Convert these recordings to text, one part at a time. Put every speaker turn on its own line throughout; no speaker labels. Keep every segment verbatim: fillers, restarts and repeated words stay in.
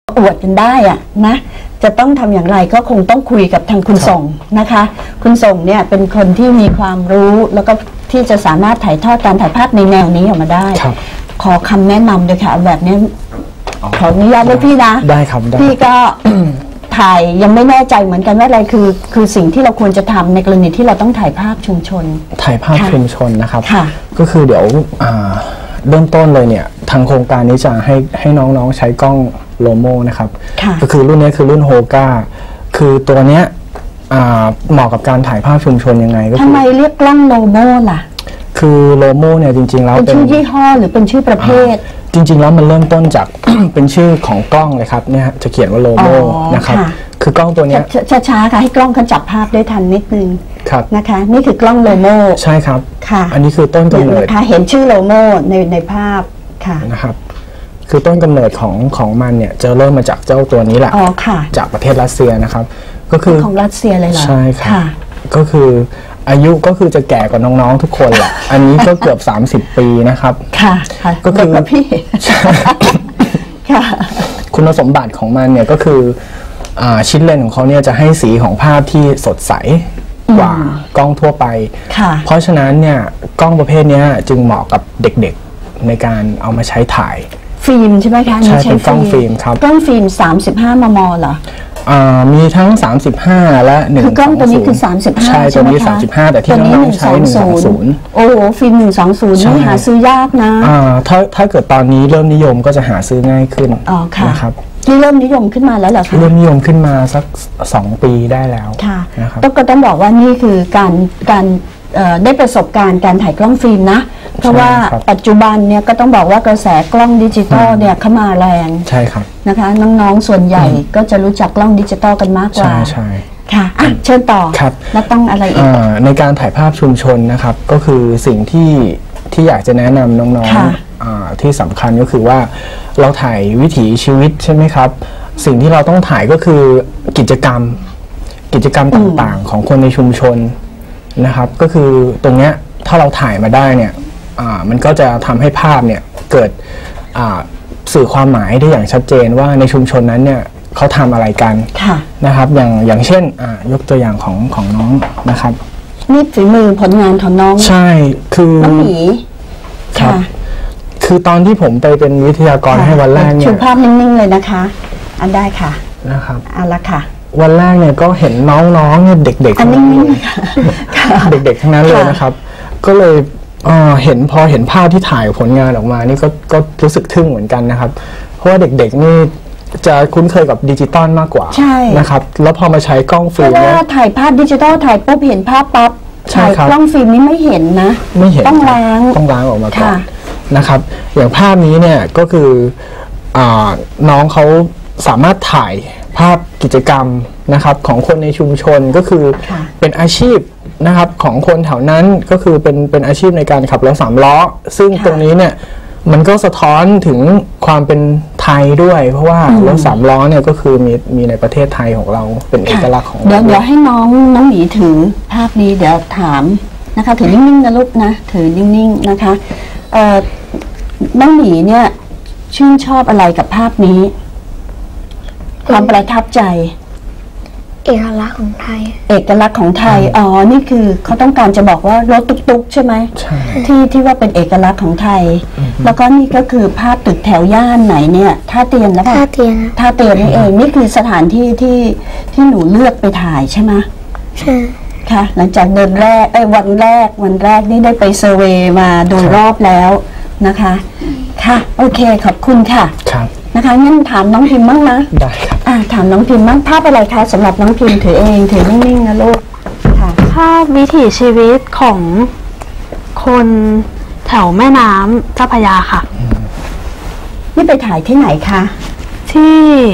อวดกันได้อะนะจะต้องทำอย่างไรก็คงต้องคุยกับทางคุณส่งนะคะคุณส่งเนี่ยเป็นคนที่มีความรู้แล้วก็ที่จะสามารถถ่ายทอดการถ่ายภาพในแนวนี้ออกมาได้ขอคำแนะนำเลยค่ะแบบนี้ขออนุญาตด้วยพี่นะ
ได้ครับ
พี่ก็ ถ่ายยังไม่แน่ใจเหมือนกันว่าอะไรคือคือสิ่งที่เราควรจะทำในกรณีที่เราต้องถ่ายภาพชุมชน
ถ่ายภาพชุมชนนะครับก็คือเดี๋ยวเริ่มต้นเลยเนี่ยทางโครงการนี้จะให้ให้น้องๆใช้กล้องโลโมนะครับก็คือรุ่นนี้คือรุ่นโฮก้าคือตัวเนี้ยเหมาะกับการถ่ายภาพชุมชนยังไงก็
ทำไมเรียกกล้องโลโมล่ะ
คือโลโมเนี่ยจริงๆแล้ว
เป็นชื่อยี่ห้อหรือเป็นชื่อประเภท
จริงๆแล้วมันเริ่มต้นจาก เป็นชื่อของกล้องเลยครับเนี่ยจะเขียนว่าโลโมนะครับคือกล้องตัวนี้
ช้าๆค่ะให้กล้องเขาจับภาพได้ทันนิดนึงนะคะนี่คือกล้องโลโม
ใช่ครับค่ะอันนี้คือต้นกำเนิด
นะคะเห็นชื่อโลโมในในภาพค่ะ
นะครับคือต้นกำเนิดของของมันเนี่ยจะเริ่มมาจากเจ้าตัวนี้แหละ
อ๋อค่ะ
จากประเทศรัสเซียนะครับก็คือ
ของรัสเซียเลยเหรอ
ใช่ค่ะก็คืออายุก็คือจะแก่กว่าน้องๆทุกคนแหละอันนี้ก็เกือบสามสิบปีนะครับ
ค่ะ
ก็คือ
พี่ค่ะ
คุณสมบัติของมันเนี่ยก็คือชิ้นเลนส์ของเขาเนี่ยจะให้สีของภาพที่สดใสกว่ากล้องทั่วไปเพราะฉะนั้นเนี่ยกล้องประเภทนี้จึงเหมาะกับเด็กๆในการเอามาใช้ถ่าย
ฟิล์มใช่ไหมคะ
ใช่เป็นกล้องฟิล์มครับ
กล้องฟิล์มสามสิบห้ามมเหรอ
มีทั้งสามสิบห้าและหนึ่ง
คือกล้องตัวนี้คือสามสิบห้า
ใช่ตัวนี้สามสิบห้าแต่ที่น้องๆใช้หนึ่งสองศูนย์
โอ้โหฟิล์มหนึ่งสองศูนย์นี่หาซื้อยากนะ
ถ้าถ้าเกิดตอนนี้เริ่มนิยมก็จะหาซื้อง่ายขึ้นนะครับ
นี่เริ่มนิยมขึ้นมาแล้วเหรอคะ
เริ่มนิยมขึ้นมาสักสองปีได้แล้ว
นะครับต้องก็ต้องบอกว่านี่คือการการได้ประสบการณ์การถ่ายกล้องฟิล์มนะเพราะว่าปัจจุบันเนี่ยก็ต้องบอกว่ากระแสกล้องดิจิตอลเนี่ยเข้ามาแรง
ใช่ครับ
นะคะน้องๆส่วนใหญ่ก็จะรู้จักกล้องดิจิตอลกันมากกว่า
ใช่ใช่
ค่ะอ่ะเชิญต่อ
ครับ
แล้วต้องอะไรอีก
ในการถ่ายภาพชุมชนนะครับก็คือสิ่งที่ที่อยากจะแนะนำน้องๆที่สำคัญก็คือว่าเราถ่ายวิถีชีวิตใช่ไหมครับสิ่งที่เราต้องถ่ายก็คือกิจกรรมกิจกรรมต่างๆของคนในชุมชนนะครับก็คือตรงเนี้ยถ้าเราถ่ายมาได้เนี่ยมันก็จะทำให้ภาพเนี่ยเกิดสื่อความหมายได้อย่างชัดเจนว่าในชุมชนนั้นเนี่ยเขาทำอะไรกันนะครับอย่างอย่างเช่นยกตัวอย่างของของน้องนะครับ
นี่ฝีมือผลงานของน้อง
ใช่คือ
น้องหมี
ครับคือตอนที่ผมไปเป็นวิทยากรให้วันแรกเนี่ย
ชูภาพนิ่งๆเลยนะคะอันได้ค่ะ
นะครับ
อันละค่ะ
วันแรกเนี่ยก็เห็นน้องๆเนี่ยเด็กๆทั้งนั้นเลยเด็กๆทั้งนั้นเลยนะครับก็เลยเห็นพอเห็นภาพที่ถ่ายผลงานออกมานี่ก็ก็รู้สึกทึ่งเหมือนกันนะครับเพราะว่าเด็กๆนี่จะคุ้นเคยกับดิจิตอลมากกว่านะครับแล้วพอมาใช้กล้องฟิล์มเนี่ย
ถ่ายภาพดิจิตอลถ่ายปุ๊บเห็นภาพปั๊บถ่ายกล้องฟิล์มนี่ไม่เห็นนะ
ไม่เห็น
ต้องล้าง
ต้องล้างออกมาก่อนนะครับอย่างภาพนี้เนี่ยก็คือน้องเขาสามารถถ่ายภาพกิจกรรมนะครับของคนในชุมชนก็คือเป็นอาชีพนะครับของคนแถวนั้นก็คือเป็นเป็นอาชีพในการขับรถสามล้อซึ่งตรงนี้เนี่ยมันก็สะท้อนถึงความเป็นไทยด้วยเพราะว่ารถสามล้อเนี่ยก็คือมีมีในประเทศไทยของเราเป็นเอกลักษณ์ของเรา
เดี๋ยวเดี๋ยวให้น้องน้องหมีถือภาพนี้เดี๋ยวถามนะคะถือนิ่งๆนะลูกนะถือนิ่งๆนะคะน้องหมีเนี่ยชื่นชอบอะไรกับภาพนี้ความประทับใจ
เอกลักษณ์ของไทย
เอกลักษณ์ของไทยอ๋อนี่คือเขาต้องการจะบอกว่ารถตุ๊กๆใช่ไหม
ใช่
ที่ที่ว่าเป็นเอกลักษณ์ของไทยแล้วก็นี่ก็คือภาพตึกแถวย่านไหนเนี่ยท่าเตียนแล้วป่ะ
ท่าเตียน
ท่าเตียนนี่เองนี่คือสถานที่ที่ที่หนูเลือกไปถ่ายใช่ไหม
ใช่
ค่ะหลังจากเดินแรกไอ้วันแรกวันแรกนี่ได้ไปเซอร์เวย์มาโดยรอบแล้วนะคะค่ะโอเคขอบคุณค่ะ
ครับ
นะคะงั้นถามน้องพิมพ์บ้างนะ
ได้ครับ
อ่าถามน้องพิมพ์บ้างภาพอะไรคะสำหรับน้องพิมพ์ถือเองถือนิ่งๆนะลูก
ค่ะภาพวิถีชีวิตของคนแถวแม่น้ำเจ้าพระยาค่ะ
นี่ไปถ่ายที่ไหนคะ
ที่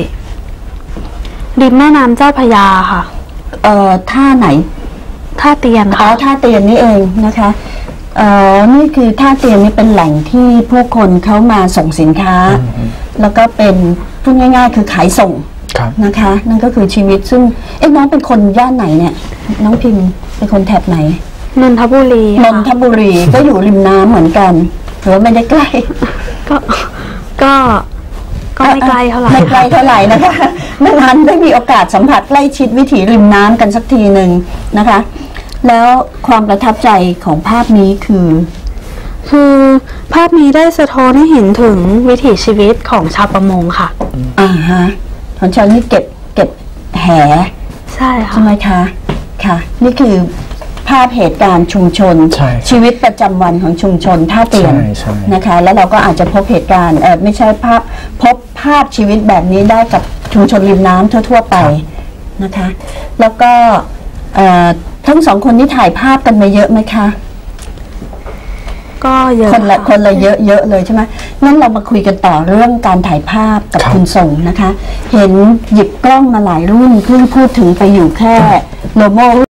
ริมแม่น้ำเจ้าพระยาค่ะ
เอ่อท่าไหน
ท่าเตียน
ค่ะอ๋อท่าเตียนนี่เองนะคะเอ่อนี่คือท่าเตียนนี่เป็นแหล่งที่ผู้คนเขามาส่งสินค้าแล้วก็เป็นพูดง่ายๆคือขายส่งนะคะนั่นก็คือชีวิตซึ่งเอ๊ะน้องเป็นคนย่านไหนเนี่ยน้องพิมพ์เป็นคนแถบไหน
นนทบุรี
นนทบุรีก็อยู่ริมน้ำเหมือนกันหรือว่าไม่ได้ใกล้
ก็ก็ก็ไม่ไกลเท่าไหร่
ไม่ไกลเท่าไหร่นะคะไม่ทันได้มีโอกาสสัมผัสใกล้ชิดวิถีริมน้ำกันสักทีหนึ่งนะคะ แล้วความประทับใจของภาพนี้คือ
คือภาพนี้ได้สะท้อนให้เห็นถึงวิถีชีวิตของชาวประมงค่ะ
อ่าฮะของฉันนี่เก็บเก็บแห
ใช่
ใช่
ค่ะ
ไหมคะค่ะ นี่คือภาพเหตุการณ์ชุมชน
ใช่ครับ
ชีวิตประจำวันของชุมชนท่าเตียน
ใช่ใช่
นะคะ แล้วเราก็อาจจะพบเหตุการณ์เออไม่ใช่ภาพพบภาพชีวิตแบบนี้ได้กับชุมชนริมน้ำทั่ว ๆ ไปนะคะ แล้วก็เอ่อทั้งสองคนนี้ถ่ายภาพกันมาเยอะไหมคะ
ก็เยอะ
คนละ
ค่ะ
คนละเยอะเยอะเลยใช่ไหมงั้นเรามาคุยกันต่อเรื่องการถ่ายภาพกับ
ครับ
คุณส่งนะคะ เห็นหยิบกล้องมาหลายรุ่นเพิ่งพูดถึงไปอยู่แค่โลโม